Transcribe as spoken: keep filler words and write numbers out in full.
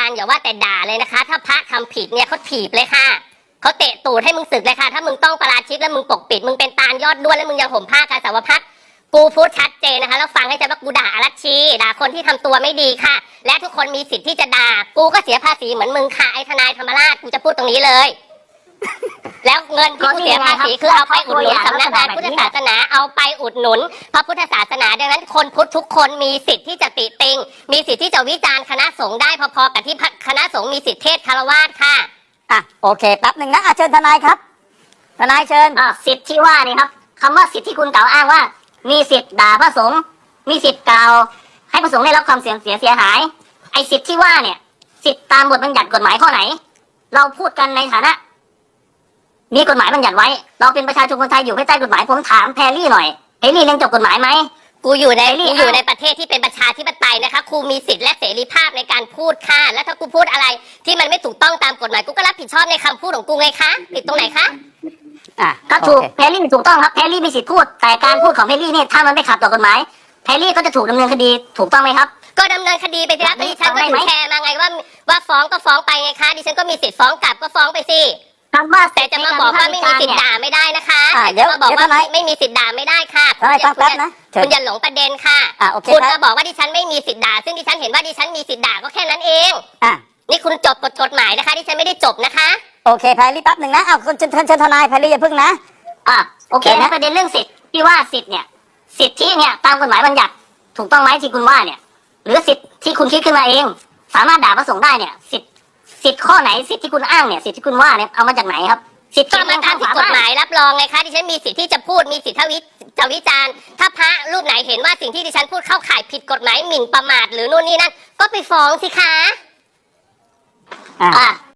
ารอย่าว่าแต่ด่าเลยนะคะ ถ้าพระทำผิดเนี่ยเขาถีบเลยค่ะเขาเตะตูดให้มึงสึกเลยค่ะถ้ามึงต้องประราชิกแล้วมึงปกปิดมึงเป็นตาลยอดด้วนแล้วมึงยังห่มผ้ากาสาวพัดกูพูดชัดเจนนะคะแล้วฟังให้ใจว่ากูด่าอรัชชีด่าคนที่ทำตัวไม่ดีค่ะและทุกคนมีสิทธิ์ที่จะด่ากูก็เสียภาษีเหมือนมึงค่ะไอ้ทนายธรรมราชกูจะพูดตรงนี้เลยแล้วเงินที่กูเสียภาษีคือเอาไปอุดหนุนสำนักงานพุทธศาสนาเอาไปอุดหนุนพระพุทธศาสนาดังนั้นคนพุทธทุกคนมีสิทธิ์ที่จะติติงมีสิทธิ์ที่จะวิจารณ์คณะสงฆ์ได้พอๆกับที่คณะสงฆ์มีสิทธิเทศคารวาสค่ะอ่ะโอเคแป๊บหนึ่งนะอ่ะเชิญทนายครับทนายเชิญอ่าสิทธิ์ที่ว่านี่ครับคำว่าสิทธิ์ที่คุณกล่าวอ้างว่ามีสิทธิ์ด่าพระสงฆ์มีสิทธิ์กล่าวให้พระสงฆ์ได้รับความเสียเสียเสียหายไอ้สิทธิ์ที่ว่าเนี่ยสิทธิ์ตามบทบัญญัติกฎหมายข้อไหนเราพูดกันในฐานะมีกฎหมายบัญญัติไว้เราเป็นประชาชนคนไทยอยู่ภายใต้กฎหมายผมถามแพรรี่หน่อยแพรรี่เรียนจบกฎหมายไหมกูอยู่ในกูอยู่ในประเทศที่เป็นประชาธิปไตยนะคะครูมีสิทธิ์และเสรีภาพในการพูดค่ะแล้วถ้ากูพูดอะไรที่มันไม่ถูกต้องตามกฎหมายกูก็รับผิดชอบในคำพูดของกูไงคะผิดตรงไหนคะอ่ะก็ถูกแพรรี่ถูกต้องครับแพรรี่มีสิทธิ์พูดแต่การพูดของแพรรี่เนี่ยถ้ามันไม่ขัดต่อกฎหมายแพรรี่ก็จะถูกดำเนินคดีถูกต้องไหมครับก็ดำเนินคดีไปสิครับดิฉันก็ถูกแชร์มาไงว่าว่าฟ้องก็ฟ้องไปไงคะดิฉันก็มีสิทธิ์ฟ้องกลับก็ฟ้องไปสิคำว่าแต่จะมาบอกว่าไม่มีสิทธิ์ด่าไม่ได้นะคะเดี๋ยวมาบอกว่าไม่มีสิทธิ์ด่าไม่ได้ค่ะฟังแป๊บนะคุณอย่าหลงประเด็นค่ะคุณมาบอกว่าดิฉันไม่มีสิทธิ์ด่าซึ่งดิฉันเห็นว่าดิฉันมีสิทธิ์ด่าก็แค่นั้นเองอ่ะนี่คุณจบกฎกฎหมายนะคะดิฉันไม่ได้จบนะคะโอเคแพรรี่แป๊บหนึ่งนะเอาคุณเชิญเชิญทนายแพรรี่อย่าพึ่งนะอ่ะโอเคนะประเด็นเรื่องสิทธิ์ที่ว่าสิทธิ์เนี่ยสิทธิเนี่ยตามกฎหมายบัญญัติถูกต้องไหมที่คุณว่าเนี่ยหรือสิทธิ์ที่คุณคิดขึ้นมาเองสามารถด่าพระสงฆ์ได้เนี่ยสิทธิ์สิทธิ์ข้อไหนสิทธิ์ที่คุณอ้างเนี่ยสิทธิ์ที่คุณว่าเนี่ยเอามาจากไหนครับสิทธิ์ก็มาตามที่กฎหมายรับรองไงคะดิฉันมีสิทธิ์ที่จะพูดมีสิทธิ์ทวิจะวิจารณ์ถ้าพระรูปไหนเห็นว่าสิ่งที่ดิฉันพูดเข้าข่ายผิดกฎหมายหมิ่นประมาทหรือนู่นนี่นั่นก็ไปฟ้องสิคะอ่า